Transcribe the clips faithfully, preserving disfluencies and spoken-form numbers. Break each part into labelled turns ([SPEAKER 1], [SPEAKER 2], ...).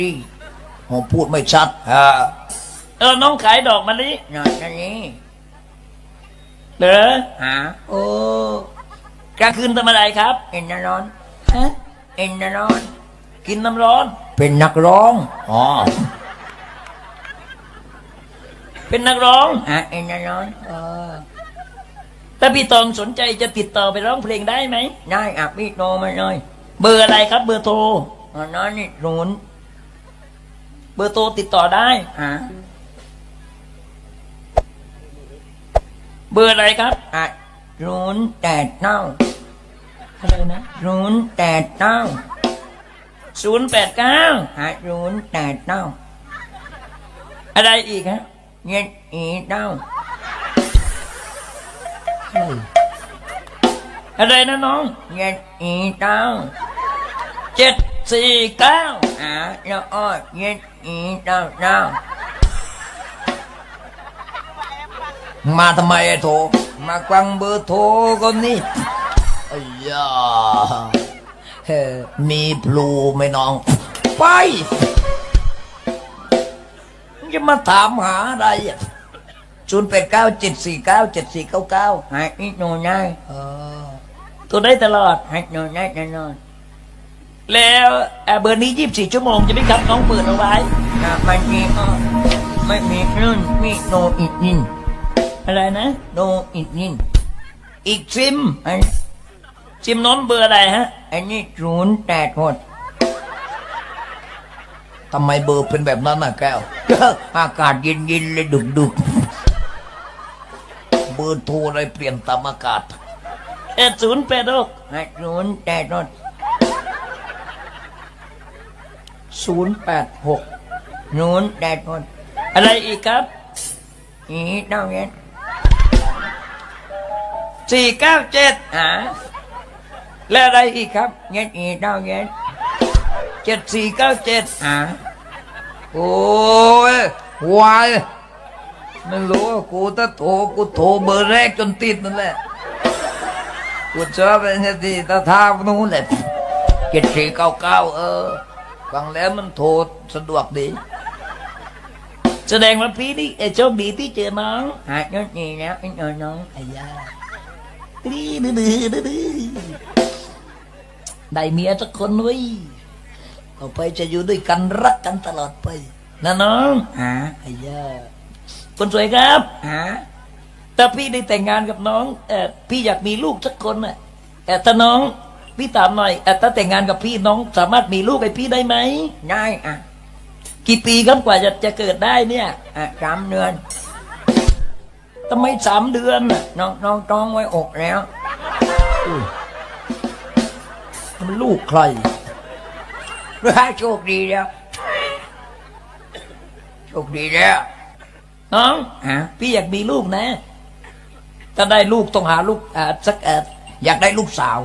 [SPEAKER 1] ที่ผมพูดไม่ชัดฮะเออน้องขายดอกมะลิหน่อยอันนี้เหรอฮะโอ้กลางคืนทำอะไรครับเอ็นน้ำร้อนฮะเอ็นน้ำร้อนกินน้ำร้อนเป็นนักร้องอ๋อเป็นนักร้องฮะเอ็นน้ำร้อนเออถ้าพี่ตองสนใจจะติดต่อไปร้องเพลงได้ไหมได้อ่ะพี่โทรมาเลยเบอร์อะไรครับเบอร์โทรอ๋อน้อยนี่ศูนย์เบอร์โทรติดต่อได้ฮะเบอร์อะไรครับอ่ะศูนย์แปดเก้าอะไรนะศูนย์แปดเก้าศูนย์แปดเก้าอ่ะศูนย์แปดเก้าอะไรอีกฮะเย็ดอีเก้าอะไรนะน้องเจ็ดสี่เก้าเจ็ดสี่เก้าอ่าแล้วอ้อเจ็ดสี่เก้าเก้ามาทำไมไอ้โถมาควังเบอร์โทรคนนี้ไอ้ยาเฮ้มีพลูไหมน้องไปจะมาถามหาอะไรอ่ะศูนย์แปดเก้าเจ็ดสี่เก้าเจ็ดสี่เก้าเก้าให้อีกหน่อยได้ตัวได้ตลอดให้หน่อยได้ตลอดแล้วเบอร์นี้ยี่สิบสี่ชั่วโมงจะไม่ครับน้องเปิดเอาไว้ไม่มีอ๋อไม่มีรุ่นมีโนอีกนินอะไรนะโนอีกนินอีกซิมอันซิมน้นเบอร์อะไรฮะอันนี้ศูนย์แปดหกทำไมเบอร์เป็นแบบนั้นน่ะแก้วอากาศเย็นๆเลยดึกๆเบอร์โทรอะไรเปลี่ยนตามอากาศเอ็ดศูนย์แปดหกศูนย์แปดหกศูนย์แปดหกศูนย์แปดหกอะไรอีกครับอีเก้าเจ็ดสี่เก้าเจ็ดอ่าแล้วอะไรอีกครับเจ็ดอีเก้าเจ็ดเจ็ดสี่เก้าเจ็ดอ่าโอ้ยวายไม่รู้กูถ้าโทรกูโทรเบอร์แรกจนติดนั่นแหละกูชอบเป็นที่ตาทางนู้นแหละเจ็ดสี่เก้าเก้าเออฟังแล้วมันโทรสะดวกดีแสดงว่าพี่นี่โชคดีที่เจอน้องหายยดีแล้วไอ้น้องไอ้ยาดื้อดื้อดื้อดื้อได้เมียสักคนไว้ต่อไปจะอยู่ด้วยกันรักกันตลอดไปนะน้องฮะไอ้ยาคนสวยครับฮะถ้าพี่ได้แต่งงานกับน้องเออพี่อยากมีลูกสักคนน่ะแต่ถ้าน้องพี่ถามหน่อยเออถ้าแต่งงานกับพี่น้องสามารถมีลูกให้พี่ได้ไหมได้อ่ะกี่ปีครับกว่าจะจะเกิดได้เนี่ยอ่ะสามเดือนทำไมสามเดือนน่ะน้องน้องท้องไว้อกแล้วมันลูกใครโชคดีแล้วโชคดีแล้วน้องฮะพี่อยากมีลูกนะถ้าได้ลูกต้องหาลูกอ่าสักเอออยากได้ลูกสาว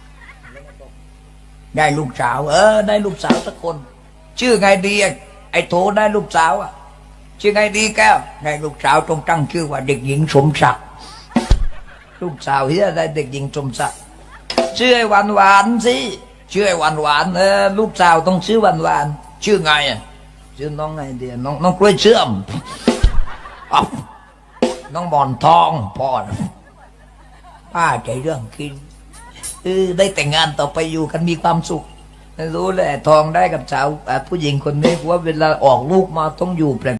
[SPEAKER 1] ได้ลูกสาวเออได้ลูกสาวสักคนชื่อไงดีไอ้โถได้ลูกสาวอ่ะชื่อไงดีแก้วได้ลูกสาวต้องตั้งชื่อว่าเด็กหญิงสมศักดิ์ลูกสาวเฮียได้เด็กหญิงสมศักดิ์ชื่อไอ้หวานหวานสิชื่อไอ้หวานหวานเออลูกสาวต้องชื่อหวานหวานชื่อไงอ่ะชื่อน้องไงเดียน้องน้องกล้วยเชื่อมอ๋อน้องบอนทองพ่อป้าใจเรื่องกินเออได้แต่งงานต่อไปอยู่กันมีความสุขรู้แหละทองได้กับสาวผู้หญิงคนนี้ว่าเวลาออกลูกมาต้องอยู่แปลก